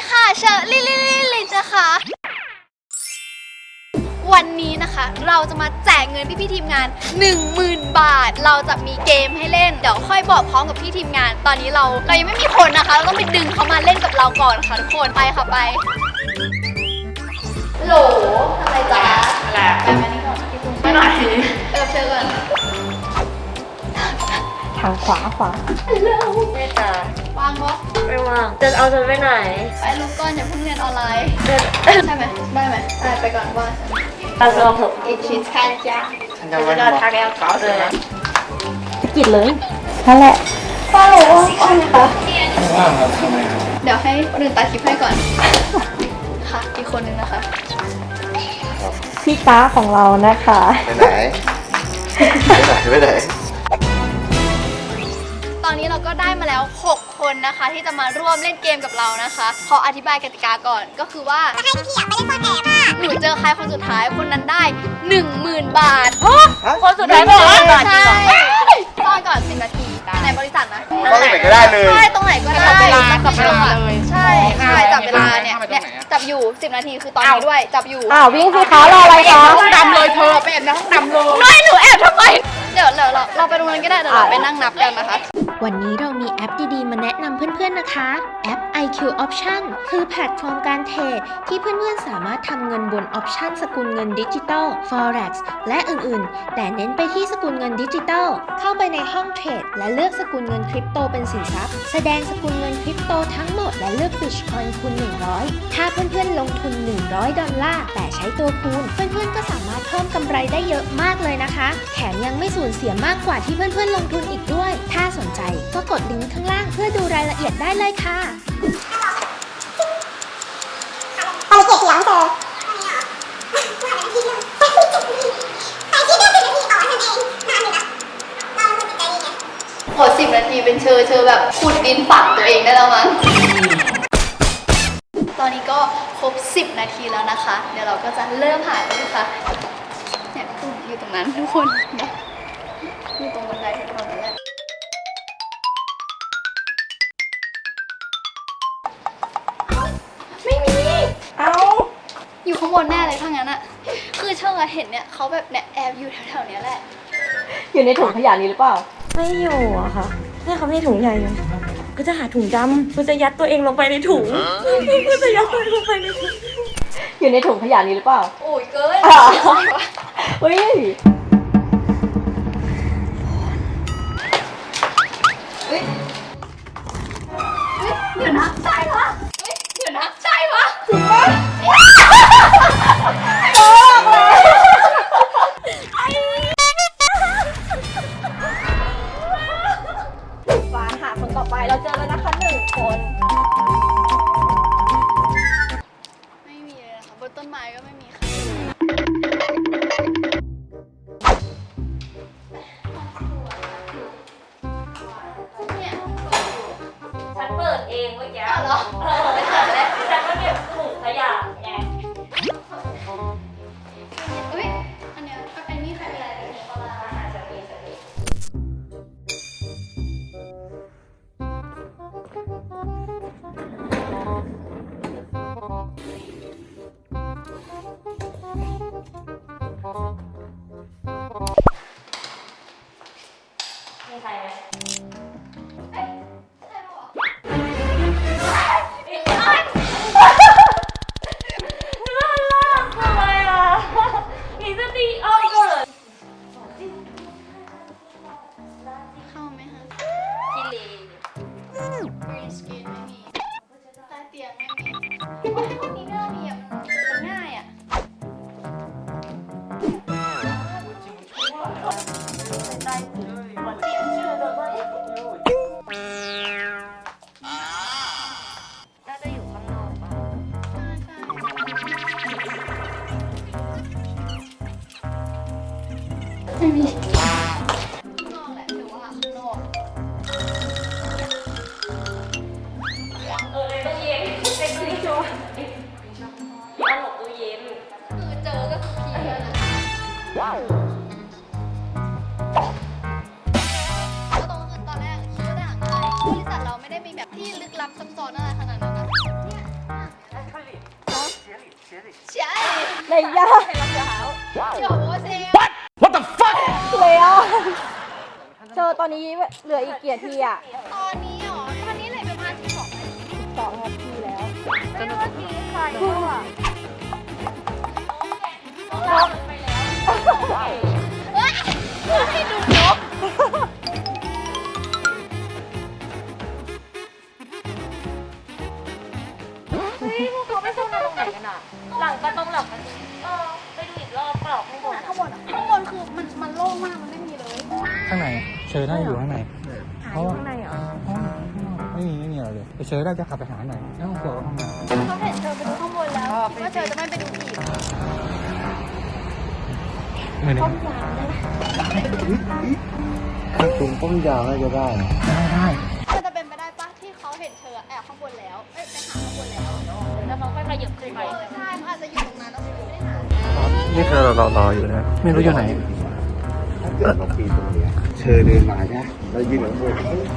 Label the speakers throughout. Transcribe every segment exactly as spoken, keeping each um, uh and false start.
Speaker 1: ค่ะเชอร์ลิลิลิลินะคะวันนี้นะคะเราจะมาแจกเงินพี่พี่ทีมงาน หนึ่งหมื่น บาทเราจะมีเกมให้เล่นเดี๋ยวค่อยบอกพร้อมกับพี่ทีมงานตอนนี้เราเรายังไม่มีคนนะคะเราต้องไปดึงเขามาเล่นกับเราก่อนค่ะทุกคนไปค่ะไปโหลทำไรจ๊ะอะไรไปมานี่ก่อนพี่ตุ้มไปหน่อยไปกับเชอร์ก่อน
Speaker 2: ทางขวาขวาไม่จ้าว
Speaker 1: างปะ
Speaker 2: ไม่วางจะเอาฉันไปไหน
Speaker 1: ไปลุกก่อนอย่าเพิ่งเรียนออนไลน์ใช่ไหมได้ไหมได้ไปก่อนว่า
Speaker 2: ตัดตัวผม
Speaker 1: อีกชิ้นแค่จ้า
Speaker 2: ฉันจะเดินทางแนวเก่าเลยกิดเลยนั่นแหละ
Speaker 1: ป้าหนูว่างไหมคะ
Speaker 3: ว่างครับทำไมครับ
Speaker 1: เดี๋ยวให้คนอื่นตัดคลิปให้ก่อนค่ะอีกคนนึงนะคะ
Speaker 2: พี่ฟ้าของเรานะคะ
Speaker 3: ไปไหนไปไหนไปไหน
Speaker 1: ตอนนี้เราก็ได้มาแล้วหกคนนะคะที่จะมาร่วมเล่นเกมกับเรานะคะขออธิบายกติกาก่อนก็คือว่าถ้าให้พี่อยากไปเล่นซ่อนแอบอ่ะหนูเจอใครคนสุดท้ายคนนั้นได้ หนึ่งหมื่น บาท
Speaker 2: คนสุดท้ายบอกว่า
Speaker 1: ใช่ซ่อนก่อนสิบนาทีในบริษัทนะ
Speaker 3: ตรงไหนก็ได้เลย
Speaker 1: ใช่ตรงไหนก็ได้
Speaker 2: จับเวลาจับเวลาเลย
Speaker 1: ใช่ใช่จับเวลาเนี่ยเนี่ยจับอยู่สิบนาทีคือตอนนี้ด้วยจับอยู่
Speaker 2: อ้าววิ่งสิคะรออะไรคะ
Speaker 4: ห้องดำเลยเธอไปแอบในห้องดำเลย
Speaker 1: ไม่หนูแอบทำไมเดี๋ยวเราเราไปตรงนั้นก็ได้เดี๋ยวเราไปนั่งนับกันนะคะ
Speaker 5: วันนี้เรามีแอปดีๆมาแนะนำเพื่อนๆนะคะแอป ไอ คิว Option คือแพลตฟอร์มการเทรดที่เพื่อนๆสามารถทำเงินบนออปชันสกุลเงินดิจิตอล Forex และอื่นๆแต่เน้นไปที่สกุลเงินดิจิตอลเข้าไปในห้องเทรดและเลือกสกุลเงินคริปโตเป็นสินทรัพย์แสดงสกุลเงินคริปโตทั้งหมดและเลือก Bitcoin คูณหนึ่งร้อยถ้าเพื่อนๆลงทุนหนึ่งร้อยดอลลาร์แต่ใช้ตัวคูณเพื่อนๆก็สามารถเพิ่มกำไรได้เยอะมากเลยนะคะแถมยังไม่สูญเสียมากกว่าที่เพื่อนๆลงทุนอีกด้วยถ้าสนใจก็กดลิงก์ข้างล่างเพื่อดูรายละเอียดได้เลยค่ะ
Speaker 6: เอาเกียรติหลังเธอ
Speaker 1: โหสิบนาทีเป็นเชอเชอแบบขุดดินฝังตัวเองได้แล้วมั้งตอนนี้ก็ครบสิบนาทีแล้วนะคะเดี๋ยวเราก็จะเริ่มหาเลยค่ะเนี่ยตุ้มอยู่ตรงนั้นทุกคนนะอยู่ตรงบันไดแถวนั้นแหละไม่มี
Speaker 2: เอา
Speaker 1: อยู่ข้างบนแน่เลยถ้างั้นอะคือเชอเห็นเนี่ยเขาแบบเนี่ยแอบอยู่แถวๆนี้แหละ
Speaker 2: อยู่ในถุงขยะนี้หรือเปล่าไม่อยู่อะค่ะนี่เขาไม่ถุงใหญ่อยู่ก็จะหาถุงดำก็จะยัดตัวเองลงไปในถุงก็จะยัดตัวเองลงไปในถุงอยู่ในถุงขยะนี้หรือเปล่า
Speaker 1: โอ้ยเกิน
Speaker 2: เฮ้ย
Speaker 1: เฮ้ยเดี๋ยวนะใช่ปะเฮ้ยเดี๋ยวนะใช่ปะจริงปะบอกเลย
Speaker 2: ฟ้าหาคนต่อไปเราเจอแล้วนะคะหนึ่งคน
Speaker 1: ไม่มีเลยนะคะบนต้นไม้ก็ไม่มีค่ะ
Speaker 2: ฉันเปิดเองเมื่อกี้
Speaker 1: เหรอ
Speaker 2: ฉันก็เก็บถุงขยะไง
Speaker 1: อุ้ยอันเนี้ยอันนี้ใครเป็นอะไรเนี่ยประมาณอาหารจากเองจากเอง
Speaker 2: มีใครไหม
Speaker 1: เข้าไหมคะกิเลสบริสกินไม่มีใต้เตียงไม่มี
Speaker 2: ในย่า
Speaker 1: เดี๋ยวโอเซ
Speaker 2: เลยอ่ะเธอตอนนี้เหลืออีกกี่นาทีอ่ะ
Speaker 1: ตอนนี้เหรอตอนนี้เหลือประมาณสิบสองนาที
Speaker 2: สองนาทีแล้ว
Speaker 1: ไม่รู้ว่าทีใครก็อ่ะเฮ้ยให้ดูนก
Speaker 2: หลังก็ต้องหลับกันเออไปดูอีกรอบเปล่าข้างบน
Speaker 1: ข้างบนอะข้างบนคือมันมันโล่งมากมันไม่มีเลย
Speaker 7: ข้างในเชอร์น่าจะอยู่ข้างในเพราะว่า
Speaker 2: ข้างในเหรอ
Speaker 7: ห้องไม่มีไม่มีอะไรเลยเชอร์น่าจะขับไปหาหน่อยแล้วห้องครัวก็ห้องน้
Speaker 1: เขาเห็นเธอไปดูข้างบนแล้วคิดว่าเธอจะไม่ไปดูอีก
Speaker 7: ำไม่ได้
Speaker 3: ถ้าคุณต้มยาวน่าจะได้นะ
Speaker 7: ได้
Speaker 1: มันจะเป็นไปได้ปะที่เขาเห็นเธอแอบข้างบนแล้วเอ้ยไปหาข้างบนแล้ว
Speaker 2: แล้วเขาค่อยขยับขึ้นไป
Speaker 1: เออใช่มันอาจจะอยู่ตรงนั้นแล้วไม่ได้หา
Speaker 7: นี่คือเรารออยู่นะไม่รู้อยู่ไหน
Speaker 3: ถ้าเกิดเราปีนตรงเนี้ยเชอเดินมาใช่ไหมเรายืนข้างบน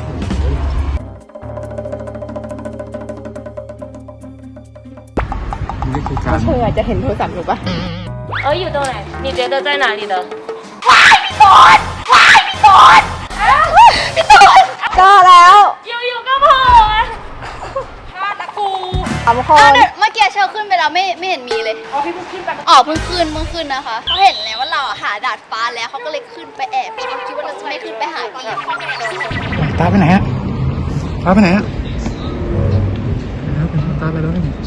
Speaker 7: นี่คือการ
Speaker 2: เธออาจจะเห็นโทรศัพท์หนูปะเอ้ยอยู่ตรงไหน你觉得在哪里的ก็แล้วอยู่ๆก็โผล่พลาดละกูสามค
Speaker 1: อ้าวน เดี๋ยวเมื่อกี้เชอขึ้นไปแล้วไม่ไม่เห็นมีเลย
Speaker 2: อ๋อพี่เพิ่งขึ้นไป
Speaker 1: อ๋อเพิ่งขึ้นเพิ่งขึ้นนะคะเขาเห็นแล้วว่าเราอะหาดาดฟ้าแล้วเขาก็เลยขึ้นไปแอบเพราะเขาคิดว่าเราจะไม่ขึ้นไปหาอีก
Speaker 7: ตาไปไหนฮะตาไปไหนฮะตาไปแล้วนี่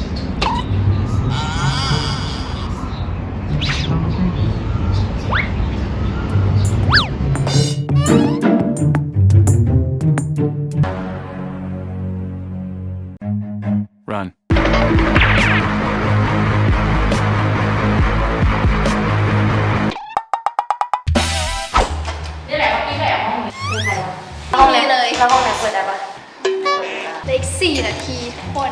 Speaker 8: Run.
Speaker 1: ห้องนี้เลย
Speaker 2: แล้วห้องไหนเปิดได้ปะ
Speaker 1: เหลืออีกสี่นาทีทุกคน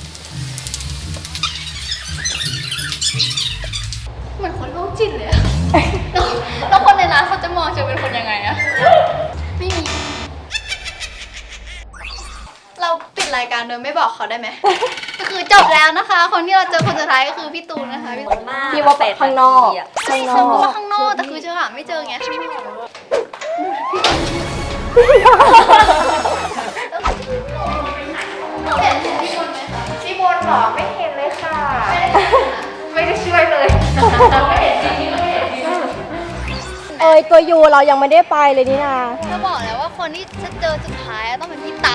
Speaker 1: เหมือนคนโรคจิตเลยอะแล้วแล้วคนในร้านเขาจะมองเชอเป็นคนยังไงอะไม่มี เราปิดรายการโดยไม่บอกเขาได้ไหม ก็คือจบแล้วนะคะ คนที่เราเจอคนสุดท้ายก็คือพี่ตูนนะคะพี่ตูน
Speaker 2: พี่ว่าข้างนอกข้างน
Speaker 1: เช
Speaker 2: อ
Speaker 1: อก ว่าข้างนอกแต่คือเชอหาไม่เจอไงข้างนอกเห็นพี่บนไหมคะ
Speaker 2: พี่บนหรอไม่เห็นเลยค่ะ
Speaker 1: ไม่ได้
Speaker 2: ไม่ได้ช่วยเลยไม่เห็นจริงๆไม่เห็นจริงเอ้ยตัวยูเรายังไม่ได้ไปเลยนี่นา
Speaker 1: จะบอกแล้วว่าคนที่จะเจอสุดท้ายต้องเป็นพี่ตา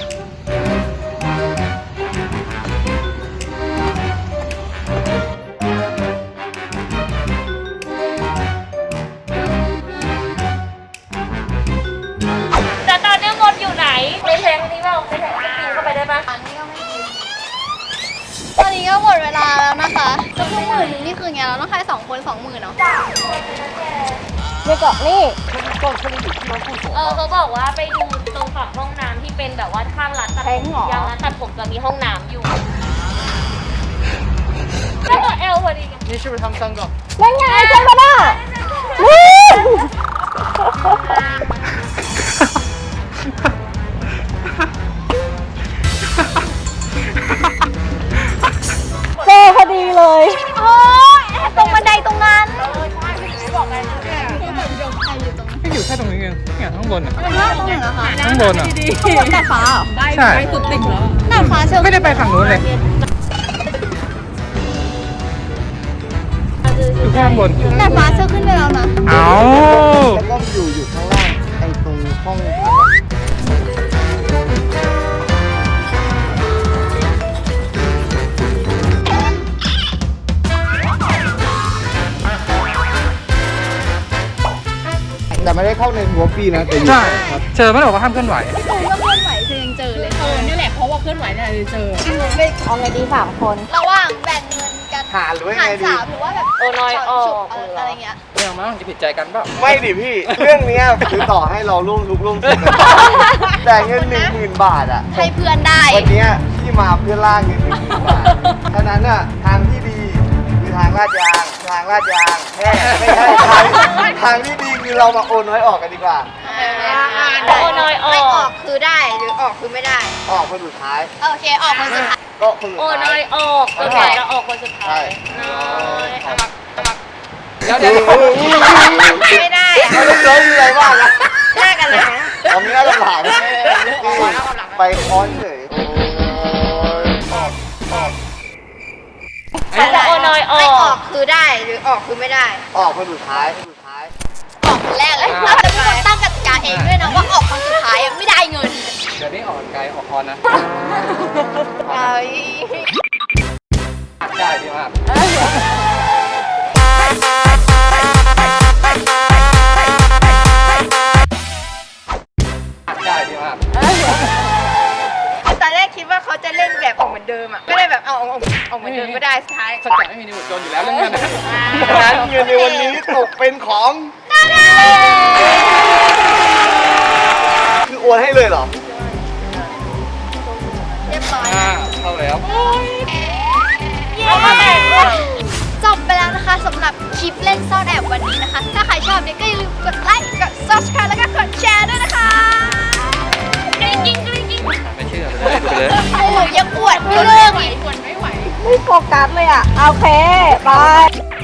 Speaker 2: แต่ตอนนี้มดอยู่ไหนในแทงนี้เปล่าในแทงนี้ปีนเข้าไปได้ปะ
Speaker 1: อันนี้ก็ไม่ดีตอนนี้ก็หมดเวลาแล้วนะคะก็คือหมื่นนึงนี่คือไงเราต้องให้สองคนสองหมื่นเนาะ
Speaker 2: นี่ก็นี่
Speaker 9: เออเขาบอกว่าไปดูตรงฝั่งห้องน้ำที่เป็นแบบว่าข้างร้านตัดผมอย่างร้านตัดผมจะมีห้องน้ำอยู่แล้วก็เอลพอดีกัน
Speaker 7: นี่ช่วยไปทำซังก่อน
Speaker 2: นั่นไงเจอกันอ่ะเจอพอดีเลย
Speaker 1: โอ้ยตรงบันไดตรงนั้น
Speaker 7: ไม่อยู่แค่ตรงนี้เองเนี่ยข้างบนอ่ะ
Speaker 1: ตรงไหนเหรอคะ
Speaker 7: ข้างบนอ่ะ
Speaker 1: ข้างบนดาดฟ้าเหรอ
Speaker 7: ใช่
Speaker 1: ดาดฟ้าเชอ
Speaker 7: ไม่ได้ไปฝั่งนู้นเลยอยู่แค่ข้างบน
Speaker 1: ดาดฟ้าเชอขึ้นไปแล้วนะ
Speaker 7: เอา
Speaker 3: แล้วก็อยู่อยู่ข้างล่างไอ้ตรงห้องพักอะ แต่ไม่ได้เข้าในหัวปีนะแต่อยู่
Speaker 7: ใช่เชอร์ไม่ได้บอกว่าห้ามเคลื่อนไหว
Speaker 1: พี่ตูนก็เคลื่อนไหวเชอยังเจอเลย
Speaker 4: เออนี่แหละเพราะว่าเคลื่อนไหวเนี่ยเลยเจอ
Speaker 2: เอาไงดีสามคน
Speaker 1: ระหว่างแบ่งเงินกัน
Speaker 3: หาหรือว่า
Speaker 1: หา
Speaker 3: ไง
Speaker 1: ร
Speaker 3: ดี
Speaker 1: สามหรือว่าแบบ
Speaker 2: โอนอยออก
Speaker 1: ฉุบอะไรเงี้ย
Speaker 7: ไม่เอามาจะผิดใจกันเปล่า
Speaker 3: ไม่ดิพี่ เรื่องเนี้ยคือต่อให้เราร่วมทุกข์ร่วมสุขกันแต่เงินหนึ่งหมื่นบาทอ่ะ
Speaker 1: ให้เพื่อนได้
Speaker 3: วันเนี้ยพี่มาเพื่อล่าเงินหนึ่งหมื่นบาทฉะนั้นอ่ะทางที่ดีคือทางลาดยางทางลาดยางแม่ไม่ใช่ทางทางที่ดีคือเรามาโอนน้อยออกกันดีกว่า
Speaker 9: โอนอยอ
Speaker 1: ไม่อ
Speaker 9: อ
Speaker 1: อก กคือได้หรือออกคือไม่ได้
Speaker 3: ออกคนสุดท้าย
Speaker 1: โอเคออกคนสุดท้าย
Speaker 3: ก็คนสุด
Speaker 9: โอ้
Speaker 3: ท้าย
Speaker 9: น้อยออกจนกว่าจะออกคนสุด
Speaker 3: ใช่
Speaker 9: ท้ายน้อยสมัครสมัคร
Speaker 7: เดี๋ยวเดี๋ยว
Speaker 2: ไม่ได้อะ
Speaker 3: ไม่ต้องเจอมีอะไรบ้างนะ
Speaker 2: หน้ากันเลยนะ
Speaker 3: ตอนนี้น่าจะหลังไปค้อนเฉย
Speaker 9: เขาจะโอ้น้อยอ
Speaker 2: ไม่
Speaker 9: อ
Speaker 2: ออก กคือได้หรือออกคือไม่ได้
Speaker 3: ออกคนสุดท้ายคนสุดท้าย
Speaker 1: ออกคนแรกเลยเราจะเป็นคนตั้งกติกาเองด้วยนะว่าออกคนสุดท้ายอะไม่ได้เงิน
Speaker 7: เดี๋ยวนี้ออกไกลออกคอนนะ
Speaker 1: เอ้ย
Speaker 7: ได้ดีมากได้ดีมาก
Speaker 2: ตอนแรกคิดว่าเขาจะเล่นแบบออกเหมือนเดิมอ่ะ ก็เลยแบบเอาเอาเอาเหมือนเดิมก็ได้สุดท้าย
Speaker 7: สกัดไม่มีนิวโจนอยู่แล้วเรื่องเงินนะ
Speaker 3: ฉะนั้นเงินในวันนี้ตกเป็นของ คือโอนให้เลยเหรอ
Speaker 1: เรียบร้อย
Speaker 7: อ่าเข้าแล้ว
Speaker 1: จบไปแล้วนะคะสำหรับคลิปเล่นซ่อนแอบวันนี้นะคะ ถ้าใครชอบเนี่ยก็อย่าลืมกดไลค์กด subscribe แล้วก็กดแชร์ด้วยนะคะกริ๊งกริ๊งกริ๊งกริ๊ง
Speaker 7: ไม่เชื่อเลยไปเลย
Speaker 1: โอ้โหยังปวดไม่เลิกอีก
Speaker 2: ไม่โฟกัสเลยอ่ะ โอเค บาย